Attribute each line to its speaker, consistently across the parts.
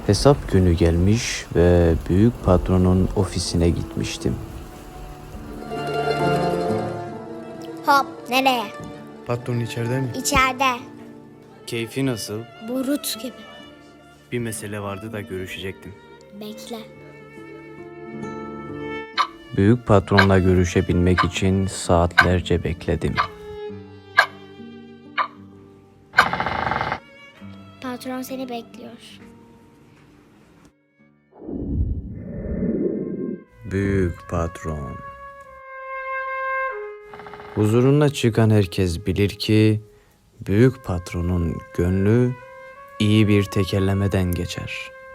Speaker 1: Hesap günü gelmiş ve büyük patronun ofisine gitmiştim.
Speaker 2: Hop, nereye?
Speaker 3: Patron içeride mi?
Speaker 2: İçeride.
Speaker 1: Keyfi nasıl?
Speaker 2: Burut gibi.
Speaker 1: Bir mesele vardı da görüşecektim.
Speaker 2: Bekle.
Speaker 1: Büyük patronla görüşebilmek için saatlerce bekledim.
Speaker 2: Patron seni bekliyor.
Speaker 1: Büyük patron. Huzuruna çıkan herkes bilir ki büyük patronun gönlü iyi bir tekerlemeden geçer.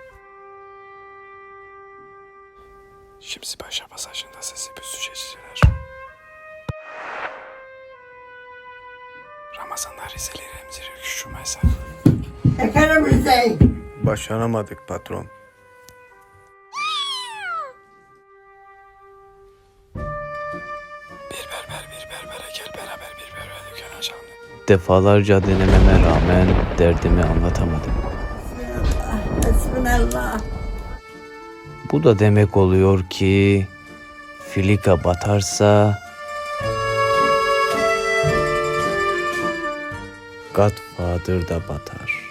Speaker 3: Şimdi Paşa pasajında sesi büzüşeciler. Ramazan'da Rizeli Remzi Rüküşü mesela.
Speaker 4: Efendim Rıza.
Speaker 3: Başaramadık patron. Bir berbere gel beraber bir berbere dükkan açalım.
Speaker 1: Defalarca denememe rağmen derdimi anlatamadım.
Speaker 4: Hasbunallah.
Speaker 1: Bu da demek oluyor ki filika batarsa Godfather da batar.